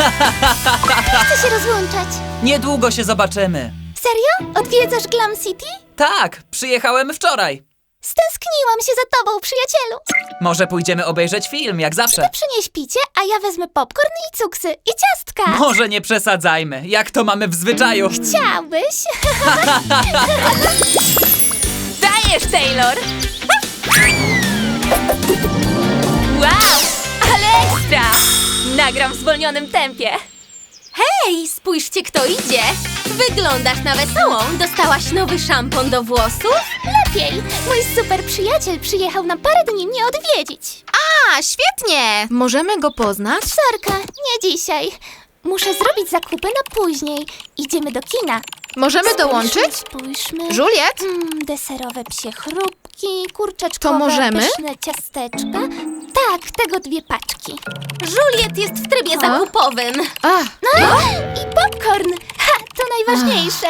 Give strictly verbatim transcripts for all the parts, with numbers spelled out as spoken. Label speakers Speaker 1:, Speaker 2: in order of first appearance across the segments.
Speaker 1: Nie chcę się rozłączać.
Speaker 2: Niedługo się zobaczymy.
Speaker 1: Serio? Odwiedzasz Glam City?
Speaker 2: Tak, przyjechałem wczoraj.
Speaker 1: Stęskniłam się za tobą, przyjacielu.
Speaker 2: Może pójdziemy obejrzeć film, jak zawsze.
Speaker 1: Ty przynieś picie, a ja wezmę popcorn i cuksy i ciastka.
Speaker 2: Może nie przesadzajmy, jak to mamy w zwyczaju.
Speaker 1: Chciałbyś?
Speaker 3: Dajesz, Taylor! Wow, ale ekstra! Nagram w zwolnionym tempie. Hej, spójrzcie, kto idzie! Wyglądasz na wesołą. Dostałaś nowy szampon do włosów?
Speaker 1: Lepiej. Mój super przyjaciel przyjechał na parę dni mnie odwiedzić.
Speaker 3: A, świetnie! Możemy go poznać?
Speaker 1: Sorka, nie dzisiaj. Muszę zrobić zakupy na później. Idziemy do kina.
Speaker 3: Możemy dołączyć?
Speaker 1: Spójrzmy.
Speaker 3: Juliet?
Speaker 1: Mm, deserowe psie chrupki, kurczaczkowe,
Speaker 3: To możemy?
Speaker 1: pyszne ciasteczka. Tak, tego dwie paczki.
Speaker 3: Juliet jest w trybie zakupowym.
Speaker 1: No i popcorn. Ha, to najważniejsze.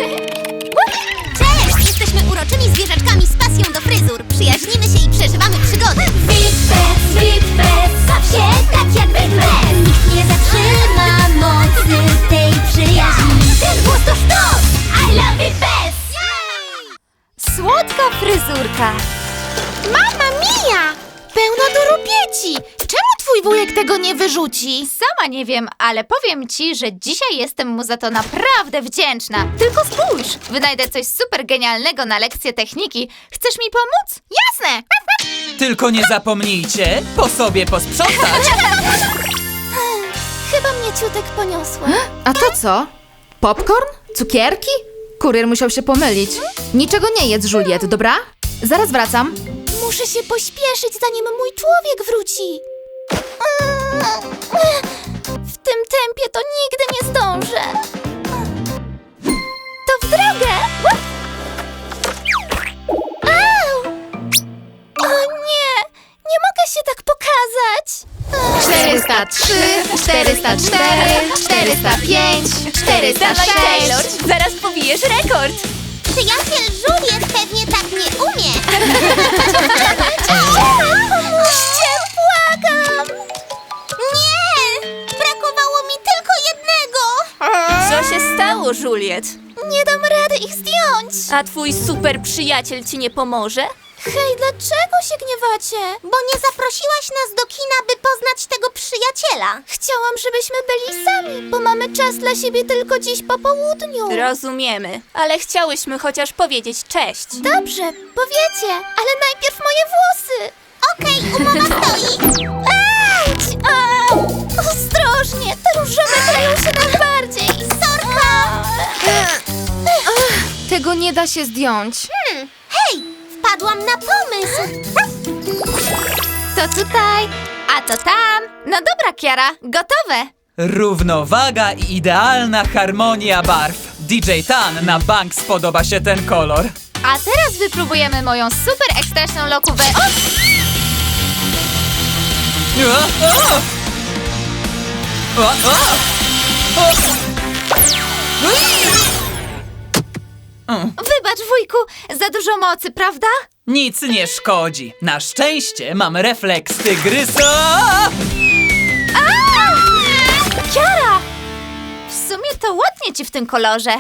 Speaker 4: Cześć! Jesteśmy uroczymi zwierzaczkami z pasją do fryzur. Przyjaźnimy się i przeżywamy przygody. Wipes, Wipes, baw się tak jak Wipes. Nikt nie zatrzyma mocy tej przyjaźni. Ten głos to sztos! I love Wipes!
Speaker 3: Słodka fryzurka.
Speaker 4: Mama mia! Pełno durupieci! Czemu twój wujek tego nie wyrzuci?
Speaker 3: Sama nie wiem, ale powiem ci, że dzisiaj jestem mu za to naprawdę wdzięczna. Tylko spójrz, wynajdę coś super genialnego na lekcję techniki. Chcesz mi pomóc?
Speaker 4: Jasne!
Speaker 2: Tylko nie zapomnijcie po sobie posprzątać.
Speaker 1: Chyba mnie ciutek poniosła.
Speaker 5: A to co? Popcorn? Cukierki? Kurier musiał się pomylić. Niczego nie jedz, Juliet, dobra? Zaraz wracam.
Speaker 1: Muszę się pośpieszyć, zanim mój człowiek wróci. W tym tempie to nigdy nie zdążę. To w drogę! Au! O nie! Nie mogę się tak pokazać!
Speaker 5: czterysta trzy, czterysta cztery, czterysta pięć, czterysta sześć.
Speaker 3: zaraz pobijesz rekord.
Speaker 4: Przyjaciel Juliet pewnie tak nie umie.
Speaker 1: Pomóżcie, błagam!
Speaker 4: Nie! Brakowało mi tylko jednego.
Speaker 3: Co się stało, Juliet?
Speaker 1: Nie dam rady ich zdjąć!
Speaker 3: A twój super przyjaciel ci nie pomoże?
Speaker 1: Hej, dlaczego się gniewacie?
Speaker 4: Bo nie zaprosiłaś nas do kina, by poznać tego przyjaciela.
Speaker 1: Chciałam, żebyśmy byli sami, bo mamy czas dla siebie tylko dziś po południu.
Speaker 3: Rozumiemy, ale chciałyśmy chociaż powiedzieć cześć.
Speaker 1: Dobrze, powiecie, ale najpierw moje włosy.
Speaker 4: Okej, umowa stoi.
Speaker 1: Auć! Au! Ostrożnie, te różowe kleją się najbardziej.
Speaker 4: Sorka!
Speaker 5: Tego nie da się zdjąć.
Speaker 4: Hmm, hej, wpadłam na pomysł.
Speaker 3: To tutaj, a to tam. No dobra, Kiara, gotowe.
Speaker 2: Równowaga i idealna harmonia barw. D J Tan na bank spodoba się ten kolor.
Speaker 3: A teraz wypróbujemy moją super ekstraśną lokówę. O!
Speaker 2: O, o! O, o! O! Ui! Mm,
Speaker 3: Wybacz, wujku, za dużo mocy, prawda?
Speaker 2: Nic nie szkodzi. Na szczęście mam refleks tygrysa.
Speaker 3: Kiara! W sumie to ładnie ci w tym kolorze.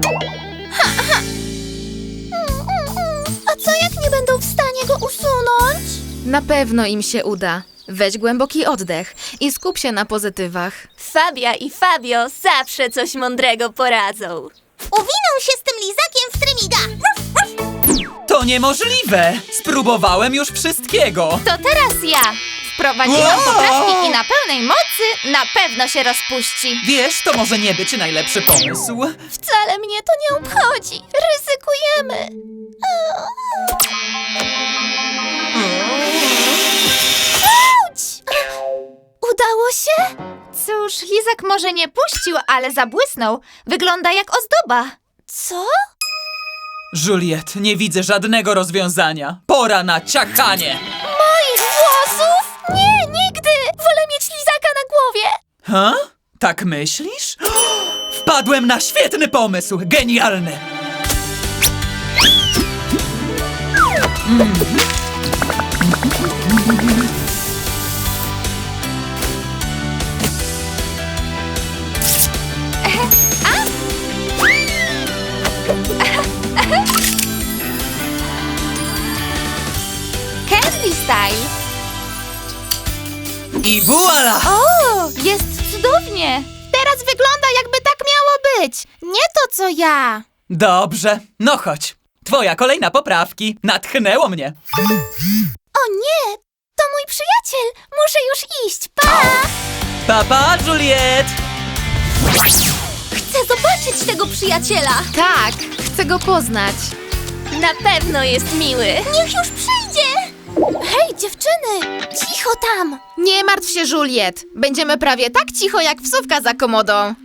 Speaker 1: A co jak nie będą w stanie go usunąć?
Speaker 5: Na pewno im się uda. Weź głęboki oddech i skup się na pozytywach.
Speaker 3: Fabia i Fabio zawsze coś mądrego poradzą.
Speaker 4: Uwinął się z tym lizakiem w trymiga.
Speaker 2: To niemożliwe. Spróbowałem już wszystkiego.
Speaker 3: To teraz ja. Wprowadziłam
Speaker 2: Wow!
Speaker 3: poprawki i na pełnej mocy na pewno się rozpuści.
Speaker 2: Wiesz, to może nie być najlepszy pomysł.
Speaker 1: Wcale mnie to nie obchodzi. Ryzykujemy. Auć! Udało się?
Speaker 3: Cóż, lizak może nie puścił, ale zabłysnął. Wygląda jak ozdoba.
Speaker 1: Co?
Speaker 2: Juliet, nie widzę żadnego rozwiązania. Pora na ciachanie.
Speaker 1: Moich włosów? Nie, nigdy! Wolę mieć lizaka na głowie.
Speaker 2: Ha? Tak myślisz? Wpadłem na świetny pomysł. Genialny.
Speaker 1: style.
Speaker 2: I voila!
Speaker 1: O, jest cudownie. Teraz wygląda, jakby tak miało być. Nie to, co ja.
Speaker 2: Dobrze, no chodź. Twoja kolejna poprawki. Natchnęło mnie.
Speaker 1: O nie, to mój przyjaciel. Muszę już iść. Pa!
Speaker 2: Papa, Juliet!
Speaker 3: Chcę zobaczyć tego przyjaciela.
Speaker 5: Tak, chcę go poznać.
Speaker 3: Na pewno jest miły.
Speaker 1: Niech już przyjdzie. Hej, dziewczyny, cicho tam.
Speaker 5: Nie martw się, Juliet. Będziemy prawie tak cicho, jak wsówka za komodą.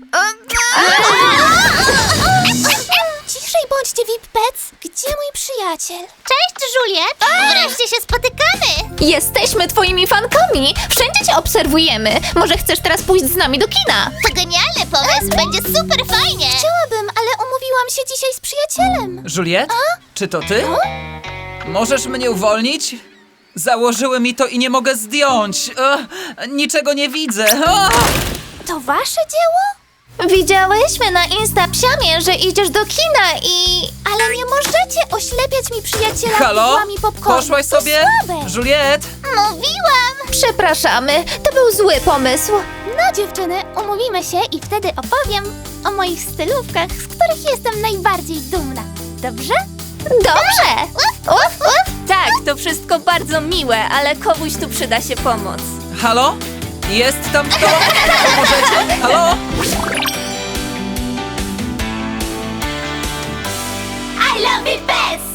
Speaker 1: Ciszej bądźcie, V I P Pets. Gdzie mój przyjaciel?
Speaker 4: Cześć, Juliet! Wreszcie się spotykamy!
Speaker 3: Jesteśmy twoimi fankami. Wszędzie cię obserwujemy. Może chcesz teraz pójść z nami do kina?
Speaker 4: To genialny pomysł, będzie super fajnie!
Speaker 1: Chciałabym, ale umówiłam się dzisiaj z przyjacielem.
Speaker 2: Juliet? Czy to ty? Możesz mnie uwolnić? Założyły mi to i nie mogę zdjąć. Ech, niczego nie widzę. Ach!
Speaker 1: To wasze dzieło?
Speaker 3: Widziałyśmy na Instapsiamie, że idziesz do kina i...
Speaker 1: Ale nie możecie oślepiać mi przyjaciela
Speaker 2: Halo?
Speaker 1: widłami popcornu.
Speaker 2: Poszłaś
Speaker 1: To
Speaker 2: sobie?
Speaker 1: słabe.
Speaker 2: Juliet?
Speaker 4: Mówiłam!
Speaker 3: Przepraszamy, to był zły pomysł.
Speaker 1: No dziewczyny, umówimy się i wtedy opowiem o moich stylówkach, z których jestem najbardziej dumna. Dobrze?
Speaker 3: Dobrze! Uf, uf. Tak, to wszystko bardzo miłe, ale komuś tu przyda się pomoc.
Speaker 2: Halo? Jest tam kto? Pomożecie? Halo?
Speaker 4: I love it best!